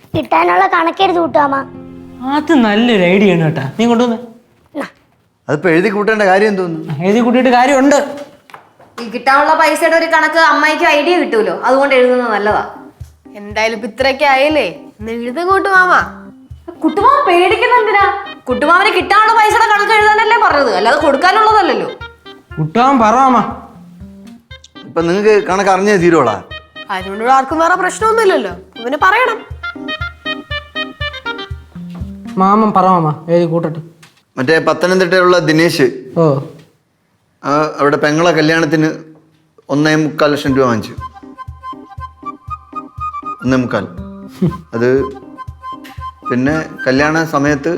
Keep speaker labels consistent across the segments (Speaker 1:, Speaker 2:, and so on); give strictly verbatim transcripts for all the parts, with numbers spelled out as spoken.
Speaker 1: കിട്ടാനുള്ള കണക്കെഴുതി കൂട്ടാമ.
Speaker 2: അത് നല്ലൊരു ഐഡിയ ആണ് കേട്ടാ. നീ കൊണ്ടുവന്ന്
Speaker 3: അതിപ്പോ എഴുതി കൂട്ടേണ്ട കാര്യം തോന്നുന്നു.
Speaker 2: എഴുതി കൂട്ടിയിട്ട് കാര്യമുണ്ട്.
Speaker 4: ഈ കിട്ടാനുള്ള പൈസയുടെ ഒരു കണക്ക് അമ്മായിക്ക് ഐഡിയ കിട്ടൂലോ, അതുകൊണ്ട് എഴുതുന്നത് നല്ലതാ.
Speaker 5: എന്തായാലും ഇപ്പൊ ഇത്രയൊക്കെ ആയില്ലേ, എഴുതും കൂട്ടുമാമ.
Speaker 4: കുട്ടുമാമ പേടിക്കുന്ന എന്തിനാ? കുട്ടുമാമന് കിട്ടാനുള്ള പൈസയുടെ കണക്ക് എഴുതാനല്ലേ പറഞ്ഞത്, അല്ലാതെ കൊടുക്കാനുള്ളതല്ലല്ലോ.
Speaker 2: കുട്ടാൻ പറമാ.
Speaker 3: ഇപ്പൊ നിങ്ങക്ക് കണക്ക് അറിഞ്ഞേ തീരുവോളാ?
Speaker 5: അതിനോട് ആർക്കും വേറെ പ്രശ്നമൊന്നുമില്ലല്ലോ, അവന് പറയണം.
Speaker 2: മാമൻ പറമാ എഴുതി കൂട്ടട്ടെ.
Speaker 3: മറ്റേ പത്തനംതിട്ടയുള്ള ദിനേശ്
Speaker 2: ഓ
Speaker 3: അവിടെ പെങ്ങളെ കല്യാണത്തിന് ഒന്നേ മുക്കാൽ ലക്ഷം രൂപ വാങ്ങിച്ചു. ഒന്നേ മുക്കാൽ. അത് പിന്നെ കല്യാണ സമയത്ത്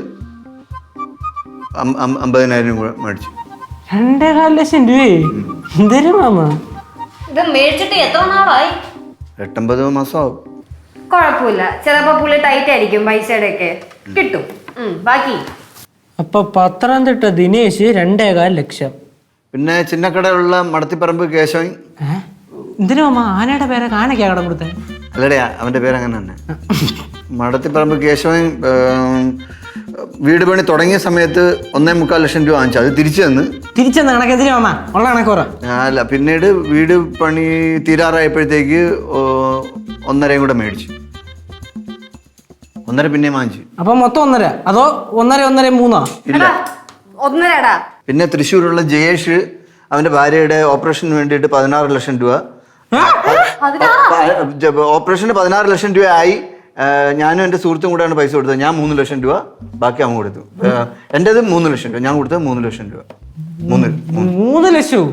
Speaker 3: അമ്പതിനായിരം രൂപ മേടിച്ചു.
Speaker 2: രണ്ടേകാൽ ലക്ഷം രൂപയെ എന്തരും മാമ?
Speaker 4: ഇത് മേടിച്ചിട്ട് എത്ര നാളായി?
Speaker 3: എട്ടൊമ്പത് മാസമാവും.
Speaker 4: കുഴപ്പമില്ല, ചിലപ്പോ പുള്ളി ടൈറ്റ് ആയിരിക്കും, പൈസയുടെ ഒക്കെ കിട്ടും. ബാക്കി
Speaker 2: അപ്പൊ പത്തനംതിട്ട ദിനേശ് രണ്ടേകാൽ ലക്ഷം.
Speaker 3: പിന്നെ ചിന്നക്കടയുള്ള മടത്തിപ്പറമ്പ് കേശവൻ.
Speaker 2: എന്തിനു മാമ ആനയുടെ പേരെ കാനയ്ക്കാ കടം കൊടുത്തേ?
Speaker 3: അല്ലടേ, അവന്റെ പേര് അങ്ങനെ തന്നെ. മടത്തിപ്പറമ്പ് കേശവൻ വീട് പണി തുടങ്ങിയ സമയത്ത് ഒന്നേ മുക്കാൽ ലക്ഷം രൂപ വാങ്ങിച്ചു. അത് തിരിച്ചു തന്ന്
Speaker 2: തിരിച്ചെന്ന കണക്ക് എന്തിനു മാമ? ഉള്ള കണക്ക് പറ.
Speaker 3: അല്ല, പിന്നീട് വീട് പണി തീരാറായപ്പോഴത്തേക്ക് ഒന്നരയും കൂടെ മേടിച്ചു. ഒന്നര പിന്നെ വാങ്ങിച്ചു.
Speaker 2: അപ്പൊ മൊത്തം ഒന്നര അതോ ഒന്നര ഒന്നര മൂന്നോ?
Speaker 3: ഇല്ല,
Speaker 4: ഒന്നരടാ.
Speaker 3: പിന്നെ തൃശ്ശൂരുള്ള ജയേഷ് അവന്റെ ഭാര്യയുടെ ഓപ്പറേഷന് വേണ്ടിയിട്ട് പതിനാറ് ലക്ഷം രൂപ ഓപ്പറേഷന് പതിനാറ് ലക്ഷം രൂപ ആയി. ഞാനും എൻ്റെ സുഹൃത്തും കൂടെയാണ് പൈസ കൊടുത്തത്. ഞാൻ മൂന്ന് ലക്ഷം രൂപ, ബാക്കി അവൻ കൊടുത്തു. എൻ്റെത് മൂന്ന് ലക്ഷം രൂപ, ഞാൻ കൊടുത്തത് മൂന്ന് ലക്ഷം രൂപ. മൂന്ന്
Speaker 2: മൂന്ന് ലക്ഷവും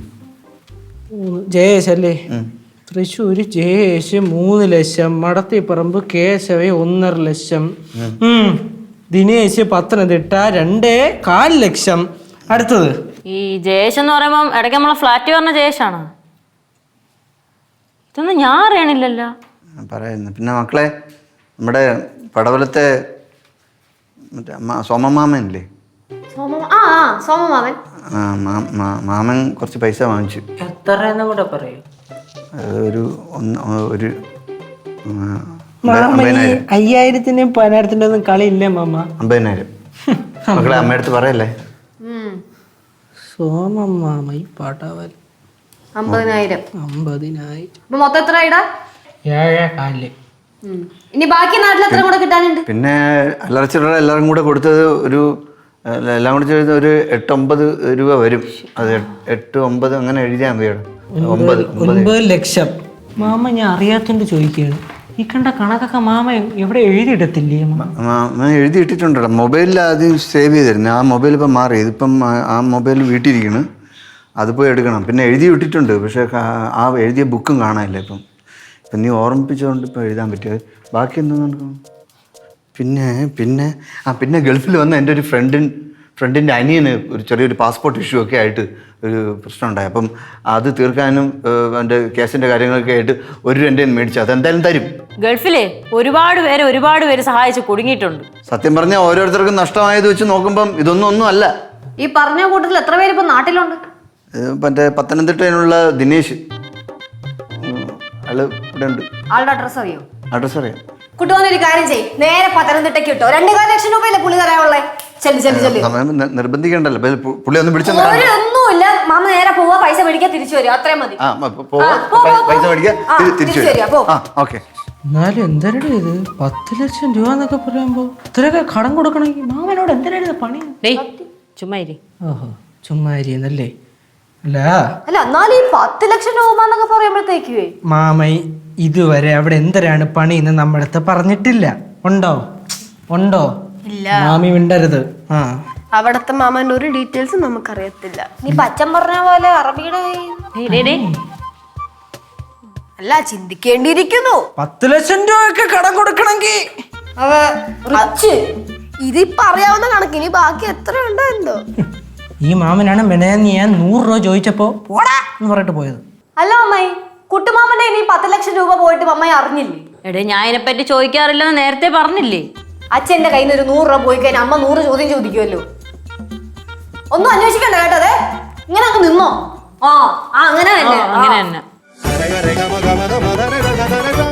Speaker 2: ജയേഷ് അല്ലേ? തൃശ്ശൂര് ജയേഷ് മൂന്ന് ലക്ഷം, മടത്തിപ്പറമ്പ് കേശവ ഒന്നര ലക്ഷം, ദിനേശ് പത്തനംതിട്ട രണ്ടേ കാൽ ലക്ഷം. അടുത്തത്
Speaker 6: ഈ ജയേഷ് എന്ന് പറയുമ്പം ഇടയ്ക്ക് നമ്മളെ ഫ്ലാറ്റ് പറഞ്ഞ ജയേഷാണ്. ഇതൊന്നും ഞാൻ അറിയണില്ലല്ലോ.
Speaker 3: പറയുന്നു. പിന്നെ മക്കളെ, നമ്മുടെ പടവലത്തെ മറ്റേ സോമമാമനില്ലേ? മാമൻ കുറച്ച് പൈസ വാങ്ങിച്ചു.
Speaker 2: എത്രയെന്നും കൂടെ പറയൂ.
Speaker 3: ഒരു ഒരു
Speaker 2: അയ്യായിരത്തിന്റെയും പതിനായിരത്തിന്റെ ഒന്നും കളിയില്ലേ മാമ?
Speaker 3: അമ്പതിനായിരം. മക്കളെ അമ്മയടുത്ത് പറയല്ലേ.
Speaker 2: സോമമാമ ഈ പാട്ടാവൽ
Speaker 4: അമ്പതിനായിരം.
Speaker 2: അമ്പതിനായിരം
Speaker 4: മൊത്തം എത്ര ഇടാ?
Speaker 2: ഏഴേ കാലില്.
Speaker 4: ഇനി ബാക്കി നാട്ടിൽ എത്ര കൂടെ കിട്ടാനുണ്ട്?
Speaker 3: പിന്നെ അല്ലറച്ചിറ എല്ലാവരും കൂടെ കൊടുത്തത് ഒരു എല്ലാം കൂടെ ചെയ്ത് ഒരു എട്ടൊമ്പത് രൂപ വരും. അത് എട്ട് ഒമ്പത് അങ്ങനെ എഴുതിയാൽ മതി. ഒമ്പത്
Speaker 2: ഒൻപത് ലക്ഷം. മാമ ഞാൻ അറിയാത്തോണ്ട് ചോദിക്കുകയാണ്, ഈ കണ്ട കണക്കൊക്കെ മാമ എവിടെ എഴുതിയിടത്തില്ലേ?
Speaker 3: മാമ എഴുതിയിട്ടിട്ടുണ്ടോ? മൊബൈലിൽ ആദ്യം സേവ് ചെയ്തിരുന്നു. ആ മൊബൈൽ ഇപ്പം മാറി. ഇതിപ്പം ആ മൊബൈൽ വീട്ടിലിരിക്കുന്നു, അത് പോയി എടുക്കണം. പിന്നെ എഴുതി വിട്ടിട്ടുണ്ട്, പക്ഷേ ആ എഴുതിയ ബുക്കും കാണാനില്ല ഇപ്പം. ഇപ്പം നീ ഓർമ്മിപ്പിച്ചുകൊണ്ട് ഇപ്പം എഴുതാൻ പറ്റിയത്. ബാക്കി എന്താ? പിന്നെ പിന്നെ ആ പിന്നെ ഗൾഫിൽ വന്ന എൻ്റെ ഒരു ഫ്രണ്ടിൻ ഫ്രണ്ടിൻ്റെ അനിയന് ഒരു ചെറിയൊരു പാസ്പോർട്ട് ഇഷ്യൂ ഒക്കെ ആയിട്ട് ഒരു പ്രശ്നം ഉണ്ടായി. അപ്പം അത് തീർക്കാനും എൻ്റെ കേസിൻ്റെ കാര്യങ്ങളൊക്കെ ആയിട്ട് ഒരു രണ്ടേ മേടിച്ചു. അതെന്തായാലും തരും.
Speaker 6: ഗൾഫിലെ ഒരുപാട് പേര് ഒരുപാട് പേര് സഹായിച്ച് കുടുങ്ങിയിട്ടുണ്ട്.
Speaker 3: സത്യം പറഞ്ഞാൽ ഓരോരുത്തർക്കും നഷ്ടമായത് വെച്ച് നോക്കുമ്പം ഇതൊന്നും ഒന്നും അല്ല.
Speaker 4: ഈ പറഞ്ഞ കൂട്ടത്തിൽ എത്ര പേര് ഇപ്പൊ നാട്ടിലുണ്ട്?
Speaker 3: മറ്റേ പത്തനംതിട്ടയിലുള്ള ദിനേശ്, ആള് ഇവിടെ ഉണ്ട്.
Speaker 4: ആളുടെ അഡ്രസ് അറിയോ?
Speaker 3: അഡ്രസ് അറിയാം.
Speaker 4: കുട്ടുവന്നൊരു കാര്യം ചെയ്യും, നേരെ പത്തനംതിട്ടയ്ക്ക് കിട്ടോ. രണ്ടു കാല ലക്ഷം രൂപയല്ലേ പുള്ളി തരാനുള്ളേ? ചെല്ലു ചെല്ലു ചെല്ലു.
Speaker 3: നിർബന്ധിക്കണ്ടല്ലോ, പുള്ളി ഒന്നും പിടിച്ച
Speaker 4: ഒന്നുമില്ല. മാമ നേരെ പോവാ, പൈസ മേടിക്കാൻ തിരിച്ചു വരിക, അത്രയും മതി.
Speaker 3: പൈസ മേടിക്കാൻ തിരിച്ചു വരിക. ഓക്കെ.
Speaker 2: എന്നാലും എന്തരടെ ഇത് പത്ത് ലക്ഷം രൂപ എന്നൊക്കെ പറയുമ്പോ ഇത്രയൊക്കെ കടം കൊടുക്കണമെങ്കിൽ മാമനോട് എന്തരായിരുന്നു പണി?
Speaker 6: ചുമ്മാ ഇരി.
Speaker 2: ഓഹോ, ചുമ്മാ ഇരിയെന്നല്ലേ? അല്ല
Speaker 4: അല്ല എന്നാലും ഈ പത്ത് ലക്ഷം രൂപ എന്നൊക്കെ പറയുമ്പോഴത്തേക്ക്
Speaker 2: മാമ ഇതുവരെ അവിടെ എന്തരാണ് പണി എന്ന് നമ്മളടുത്ത് പറഞ്ഞിട്ടില്ല. ഉണ്ടോ? ഉണ്ടോ?
Speaker 5: ഇല്ല.
Speaker 2: മാമി മിണ്ടരുത്. ആ
Speaker 5: അവിടത്തെ മാമന്റെ ഒരു ഡീറ്റെയിൽസ് നമുക്കറിയത്തില്ല.
Speaker 4: നീ പച്ചൻ പറഞ്ഞ പോലെ അറബിയുടെ
Speaker 5: അല്ല, ചിന്തിക്കേണ്ടിയിരിക്കുന്നു.
Speaker 2: പത്ത് ലക്ഷം രൂപയൊക്കെ കടം കൊടുക്കണമെങ്കിൽ
Speaker 5: ഇതിപ്പോ അറിയാവുന്ന കണക്കിന് ബാക്കി എത്ര ഉണ്ടോ എന്തോ.
Speaker 2: ഈ മാമനാണ് മെനയെന്ന് ഞാൻ നൂറ് രൂപ ചോദിച്ചപ്പോ പോടാ എന്ന് പറഞ്ഞിട്ട് പോയത്.
Speaker 4: അല്ല അമ്മായി, കുട്ടുമാമന്റെ ഇനി പത്ത് ലക്ഷം രൂപ പോയിട്ട് അമ്മായി അറിഞ്ഞില്ലേ?
Speaker 6: എടേ, ഞാൻ ഇതിനെപ്പറ്റി ചോദിക്കാറില്ലെന്ന് നേരത്തെ പറഞ്ഞില്ലേ?
Speaker 4: അച്ഛന്റെ കയ്യിൽ നിന്ന് ഒരു നൂറ് രൂപ പോയി കഴിഞ്ഞാൽ അമ്മ നൂറ് ചോദ്യം ചോദിക്കുമല്ലോ. ഒന്നും അന്വേഷിക്കണ്ട കേട്ടതേ, ഇങ്ങനെ അങ്ങ് നിന്നോ. ആ അങ്ങനെ തന്നെ
Speaker 6: അങ്ങനെ തന്നെ.